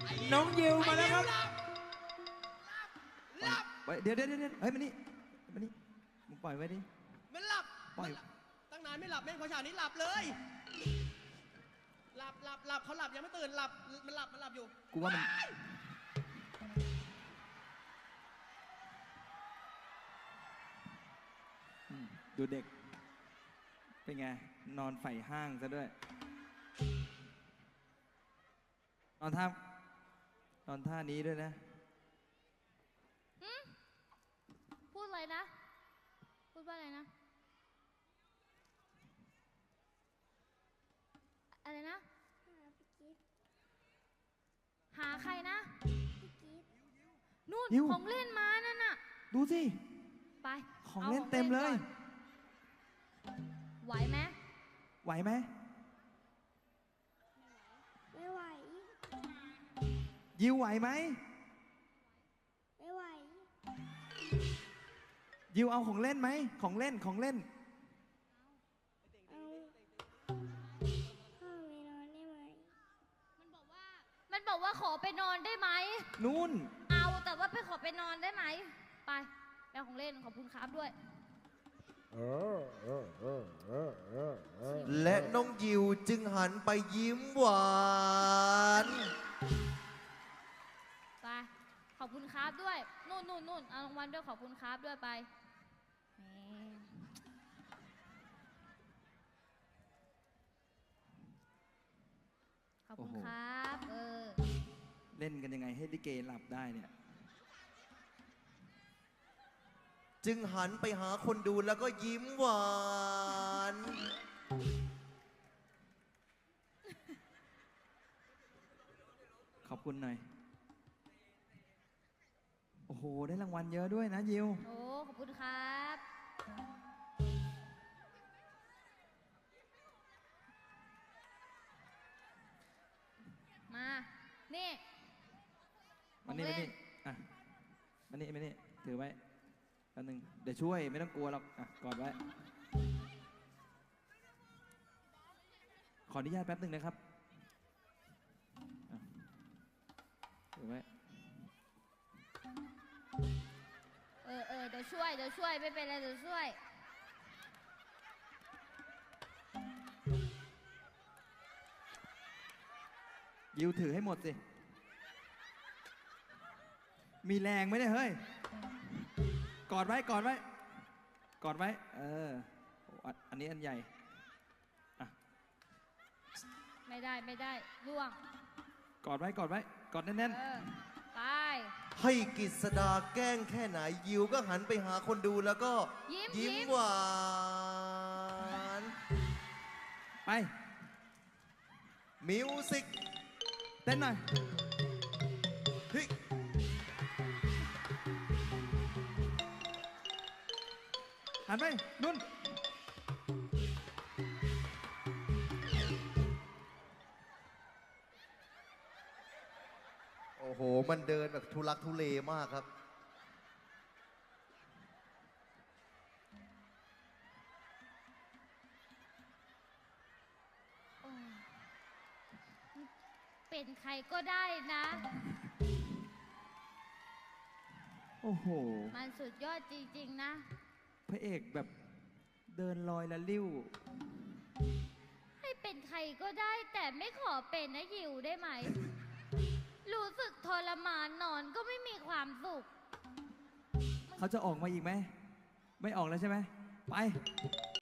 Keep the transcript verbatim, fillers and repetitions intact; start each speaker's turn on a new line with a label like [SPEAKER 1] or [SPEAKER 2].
[SPEAKER 1] น้องยิวมาแล้วครับ
[SPEAKER 2] หลับ
[SPEAKER 3] ไว้เดี๋ยวเดี๋ยวเดี๋ยวเฮ้ยมานี่มานี่มึงปล่อยไว้ดิ
[SPEAKER 2] มันหลับ
[SPEAKER 3] ปล่อย
[SPEAKER 2] ตั้งนานไม่หลับแม่งพอฉากนี้หลับเลย หลับหลับหลับเขาหลับยังไม่ตื่นหลับมันหลับมันหลับอยู่
[SPEAKER 3] กูว่ามันอืมดูเด็กเป็นไงนอนไฝ่ห้างซะด้วยนอนท่านอนท่านี้ด้วยนะ
[SPEAKER 4] พูดอะไรนะ พูดว่าอะไรนะ อะไรนะ หาใครนะ นู่น
[SPEAKER 3] ยิว
[SPEAKER 4] ของเล่นมานั่นน่ะ
[SPEAKER 3] ดูสิ
[SPEAKER 4] ไป
[SPEAKER 3] ของ
[SPEAKER 4] อา
[SPEAKER 3] เล่นเต็มเลย
[SPEAKER 4] ก่อนไหวไหม
[SPEAKER 3] ไหวไหม
[SPEAKER 5] ไม่ไหว
[SPEAKER 3] ยิวไหวไหม
[SPEAKER 5] ไม่ไหว
[SPEAKER 3] ยิวเอาของเล่นไหมของเล่นของเล่น
[SPEAKER 5] เอาพ่อไปนอนได้ไหม
[SPEAKER 4] มันบอกว่า มันบอกว่าขอไปนอนได้ไหม
[SPEAKER 3] นู่น
[SPEAKER 4] เอาแต่ว่าไปขอไปนอนได้ไหม ไปไปเอาของเล่นขอบคุณครับด้วย
[SPEAKER 6] และน้องยิวจึงหันไปยิ้มหวาน
[SPEAKER 4] ไป ขอบคุณครับด้วย นู่นนู่นนู่นเอารางวัลด้วยขอบคุณครับด้วยไปแหมขอบคุณครับ เออ
[SPEAKER 3] เล่นกันยังไงให้ลิเกหลับได้เนี่ย
[SPEAKER 6] จึงหันไปหาคนดูแล้วก็ยิ้มหวาน
[SPEAKER 3] ขอบคุณหน่อย โอ้โห ได้รางวัลเยอะด้วยนะยิว
[SPEAKER 4] โอ้ ขอบคุณครับ มา นี่
[SPEAKER 3] มานี่
[SPEAKER 4] ข
[SPEAKER 3] มา
[SPEAKER 4] องเล่
[SPEAKER 3] นี่อ่ะมานี่มานี่ถือไว้แป๊บนึงเดี๋ยวช่วยไม่ต้องกลัวหรอกอ่ะกอดไว้ ขออนุญาตแป๊บนึงนะครับอ่ะถือไว้
[SPEAKER 4] เออเออเดี๋ยวช่วย เดี๋ยวช่วย ไม่เป็นไรเดี๋ยวช่วย
[SPEAKER 3] ยิวถือให้หมดสิ มีแรงไหมเนี่ยเฮ้ย กอดไว้กอดไว้ กอดไว้ เออโอ้อันอันนี้อันใหญ่ อ่ะ
[SPEAKER 4] ไม่ได้ไม่ได้ล่วง
[SPEAKER 3] กอดไว้กอดไว้ กอดแน่น
[SPEAKER 4] เออ ไป
[SPEAKER 6] ให้กิษดาแกล้งแค่ไหนยิวก็หันไปหาคนดูแล้วก็
[SPEAKER 4] ยิ้ม
[SPEAKER 6] ยิ้ม
[SPEAKER 4] ยิ้ม
[SPEAKER 6] หวาน
[SPEAKER 3] ๆ ไป
[SPEAKER 6] มิวสิก
[SPEAKER 3] เต้นหน่อย
[SPEAKER 6] เฮ้ย
[SPEAKER 3] หันไปนุ่น
[SPEAKER 6] โอ้โห มันเดินแบบทุลักทุเลมากครับ
[SPEAKER 4] โอ้เป็นใครก็ได้นะ
[SPEAKER 3] โอ้โห
[SPEAKER 4] มันสุดยอดจริงๆนะ
[SPEAKER 3] พระเอกแบบเดินลอยละลิ้ว
[SPEAKER 4] ให้เป็นใครก็ได้แต่ไม่ขอเป็นนะยิวได้ไหม รู้สึกทรมานนอนก็ไม่มีความสุข
[SPEAKER 3] เขาจะออกมาอีกไหม ไม่ออกแล้วใช่ไหม ไป